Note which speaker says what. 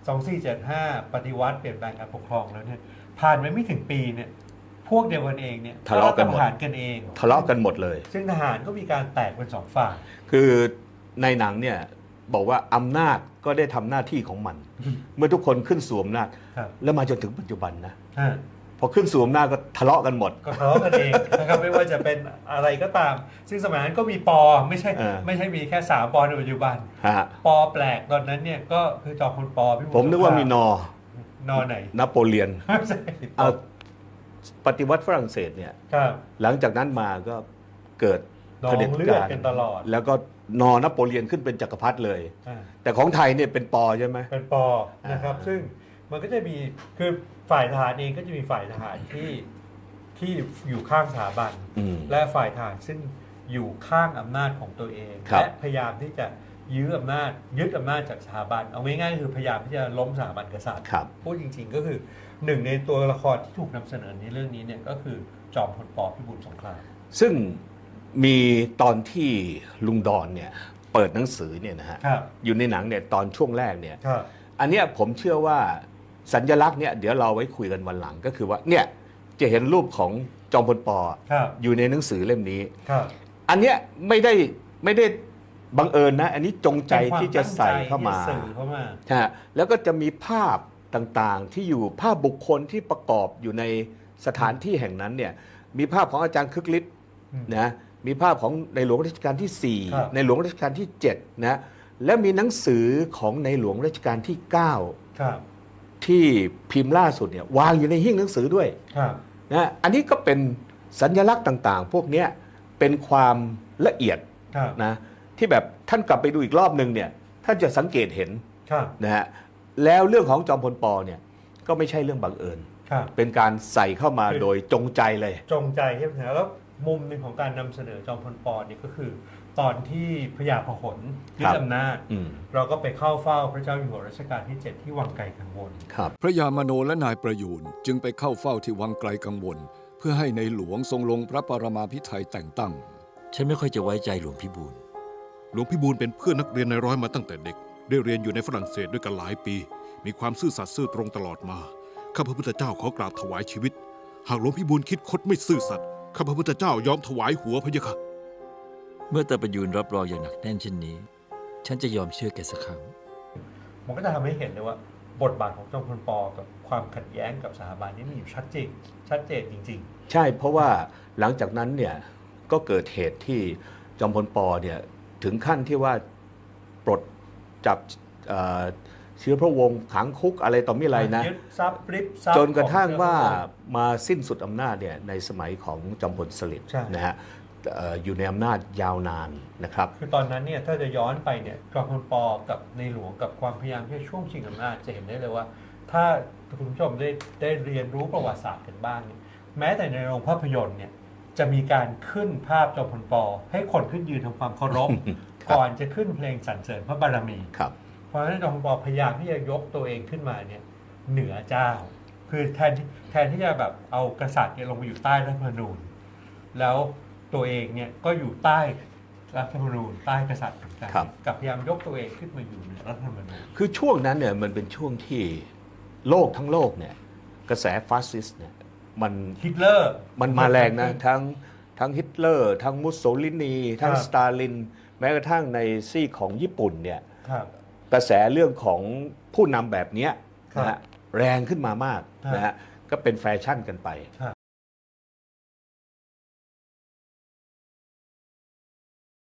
Speaker 1: 2475 ปฏิวัติเปลี่ยนแปลงการปกครองแล้วเนี่ยผ่านไปไม่ถึงปีเนี่ยพวกเดียวกันเองเนี่ย
Speaker 2: ทะเลาะกันหมด
Speaker 1: ทหารกันเอง
Speaker 2: ทะเลาะกันหมดเลย
Speaker 1: ซึ่งทหารก็มีการแตกเป็นสองฝ่าย
Speaker 2: คือในหนังเนี่ยบอกว่าอำนาจก็ได้ทำหน้าที่ของมัน เมื่อทุกคนขึ้นสู่อำนาจ
Speaker 1: ครับ
Speaker 2: แล้วมาจนถึงปัจจุบันนะ
Speaker 1: ฮะ
Speaker 2: พอขึ้นสู่อำนาจก็ทะเลาะกันหมด
Speaker 1: ก็ทะเลาะกันเองนะครับไม่ว่าจะเป็นอะไรก็ตาม ซึ่งสมัยนั้นก็มีปอไม่ใช่ ไม่ใช่มีแค่3 ปอในปัจจุบัน
Speaker 2: ฮะ
Speaker 1: ปอแปลกตอนนั้นเนี่ยก็คือจอมพลปพี่บุญ
Speaker 2: ผมนึกว่ามีนอ
Speaker 1: ไหน
Speaker 2: นโปเลียน
Speaker 1: ไม่ใช่
Speaker 2: เอาปฏิวัติฝรั่งเศสเนี่ย
Speaker 1: ครับ
Speaker 2: หลังจากนั้นมาก็เกิด
Speaker 1: นอ
Speaker 2: เผด็จ
Speaker 1: งเลือด
Speaker 2: การ
Speaker 1: กันตลอด
Speaker 2: แล้วก็นโปเลียนขึ้นเป็นจักรพรรดิเลย
Speaker 1: อ่า
Speaker 2: แต่ของไทยเนี่ยเป็นปอใช่ไหม
Speaker 1: เป็นปอนะครับ ซึ่งมันก็จะมีคือฝ่ายทหารเองก็จะมีฝ่ายทหารที่อยู่ข้างสถาบัน
Speaker 2: อืม
Speaker 1: และฝ่ายทหารซึ่งอยู่ข้างอำนาจของตัวเอง
Speaker 2: ครับ
Speaker 1: และพยายามที่จะยื้ออำนาจยึดอำนาจจากสถาบันเอาง่ายๆคือพยายามที่จะล้มสถาบันกษัตริย์
Speaker 2: ครับ
Speaker 1: พูดจริงๆก็คือหนึ่งในตัวละครที่ถูกนำเสนอในเรื่องนี้เนี่ยก็คือจอมพลปพิบูลสงคราม
Speaker 2: ซึ่งมีตอนที่ลุงดอนเนี่ยเปิดหนังสือเนี่ยนะฮะ
Speaker 1: ครับ
Speaker 2: อยู่ในหนังเนี่ยตอนช่วงแรกเนี่ย
Speaker 1: ครับ
Speaker 2: อันเนี้ยผมเชื่อว่าสัญลักษณ์เนี่ยเดี๋ยวเราไว้คุยกันวันหลังก็คือว่าเนี่ยจะเห็นรูปของจอมพลป
Speaker 1: ครับ
Speaker 2: อยู่ในหนังสือเล่มนี้
Speaker 1: ครับ
Speaker 2: อันเนี้ยไม่ได้บังเอิญนะ อันนี้จงใจที่จะใส่เข้ามา
Speaker 1: เป็นควตั้งใจที่จะสื่อเข้ามา
Speaker 2: ฮะแล้วก็จะมีภาพต่างๆที่อยู่ภาพบุคคลที่ประกอบอยู่ในสถานที่แห่งนั้นเนี่ยมีภาพของอาจารย์คึกฤทธิ์
Speaker 1: อืม
Speaker 2: นะมีภาพของในหลวงรัชกาลที่
Speaker 1: ครับ
Speaker 2: 4 ในหลวงรัชกาลที่7นะและมีหนังสือของในหลวงรัชกาลที่ 9
Speaker 1: ครับ
Speaker 2: ที่พิมพ์ล่าสุดเนี่ยวางอยู่ในหิ้งหนังสือด้วย
Speaker 1: ครับ
Speaker 2: นะอันนี้ก็เป็นสัญลักษณ์ต่างๆ พวกเนี้ยเป็นความละเอียด
Speaker 1: ครับ
Speaker 2: นะที่แบบท่านกลับไปดูอีกรอบหนึ่งเนี่ยท่านจะสังเกตเห็น
Speaker 1: ครับ
Speaker 2: นะฮะแล้วเรื่องของจอมพลปเนี่ยก็ไม่ใช่เรื่องบังเอิญ
Speaker 1: ครับ
Speaker 2: เป็นการใส่เข้ามาโดยจงใจเลย
Speaker 1: จงใจที่จะแล้วมุมหนึ่งของการนำเสนอจอมพลปเนี่ยก็คือ ตอนที่พญาพหลยึ
Speaker 2: ครั
Speaker 1: ด
Speaker 2: บ
Speaker 1: อำนาจ
Speaker 2: อืม
Speaker 1: เราก็ไปเข้าเฝ้าพระเจ้าอยู่หัวรัชกาลที่ 7 ที่วังไกลกังวล
Speaker 2: ครับ
Speaker 3: พระยามโนและนายประยูนจึงไปเข้าเฝ้าที่วังไกลกังวล เพื่อให้ในหลวงทรงลงพระปรมาภิไธยแต่งตั้ง
Speaker 4: ฉันไม่ค่อยจะไว้ใจหลวงพิบูล
Speaker 5: หลวงพิบูลเป็นเพื่อนนักเรียนในร้อยมาตั้งแต่เด็ก ได้เรียนอยู่ในฝรั่งเศสด้วยกันหลายปี มีความซื่อสัตย์ซื่อตรงตลอดมา ข้าพระพุทธเจ้าขอกราบถวายชีวิต หากหลวงพิบูลคิดคดไม่ซื่อสัตย์ ข้าพระพุทธเจ้ายอมถวายหัวพะยะค่ะ
Speaker 4: เมื่อตาประยูนรับรองอย่างหนักแน่นเช่นนี้ ฉันจะยอมเชื่อแกสักครั้ง
Speaker 1: มันก็จะทำให้เห็นเลยว่าบทบาทของจอมพลปกับความขัดแย้งกับสถาบันนี่มีอยู่ชัดเจนจริง
Speaker 2: ใช่เพราะว่าหลังจากนั้นเนี่ยก็เกิดเหตุที่จอมพลปเนี่ยถึงขั้นที่ว่าปลดจับเชื้อพระวงศ์ขังคุกอะไรต่อมี
Speaker 1: ๆ
Speaker 2: อะไรนะ
Speaker 1: ยึดทรัพย์ริบทรัพย์
Speaker 2: จนกระทั่ง
Speaker 1: ของ
Speaker 2: ว่า
Speaker 1: เจ้พระ
Speaker 2: มาสิ้นสุดอำนาจเนี่ยในสมัยของจอมพลสฤษดิ์
Speaker 1: ใช่
Speaker 2: นะฮะอยู่ในอำนาจยาวนานนะครับ
Speaker 1: คือตอนนั้นเนี่ยถ้าจะย้อนไปเนี่ยจอมพลปกับในหลวงกับความพยายามที่จะช่วงชิงอำนาจจะเห็นได้เลยว่า ถ้าคุณผู้ชมได้เรียนรู้ประวัติศาสตร์กันบ้างเนี่ยแม้แต่ในโรงภาพยนตร์เนี่ยจะมีการขึ้นภาพจอมพลปให้คนขึ้นยืนทำความเคารพ
Speaker 2: ครับ
Speaker 1: ก่อนจะขึ้นเพลงสรรเสริญพระบารมี
Speaker 2: ครับ
Speaker 1: เพราะฉะนั้นจอมพลปพยายามที่จะยกตัวเองขึ้นมาเนี่ยเหนือเจ้า คือแทนที่จะแบบเอากษัตริย์เนี่ยลงมาอยู่ใต้รัฐธรรมนูญ แล้วตัวเองเนี่ยก็อยู่ใต้รัฐธรรมนูญใต้กษัตริย์เหมือนกัน
Speaker 2: ครับ
Speaker 1: กับพยายามยกตัวเองขึ้นมาอยู่เหนือรัฐธรรมนูญ
Speaker 2: คือช่วงนั้นเนี่ยมันเป็นช่วงที่โลกทั้งโลกเนี่ยกระแสฟาสซิสต์เนี่ยมัน
Speaker 1: ฮิตเลอร์
Speaker 2: มันมาแรงนะทั้งฮิตเลอร์ทั้งมุสโสลินีทั้ง
Speaker 1: ครับ
Speaker 2: สตาลิน แม้กระทั่งในซีกของญี่ปุ่นเนี่ย
Speaker 1: ครับ
Speaker 2: กระแสเรื่องของผู้นำแบบเนี้ย
Speaker 1: ครับ
Speaker 2: นะฮะแรงขึ้นมามาก
Speaker 1: ครับ
Speaker 2: นะฮะก็เป็นแฟชั่นกันไป
Speaker 1: ครับ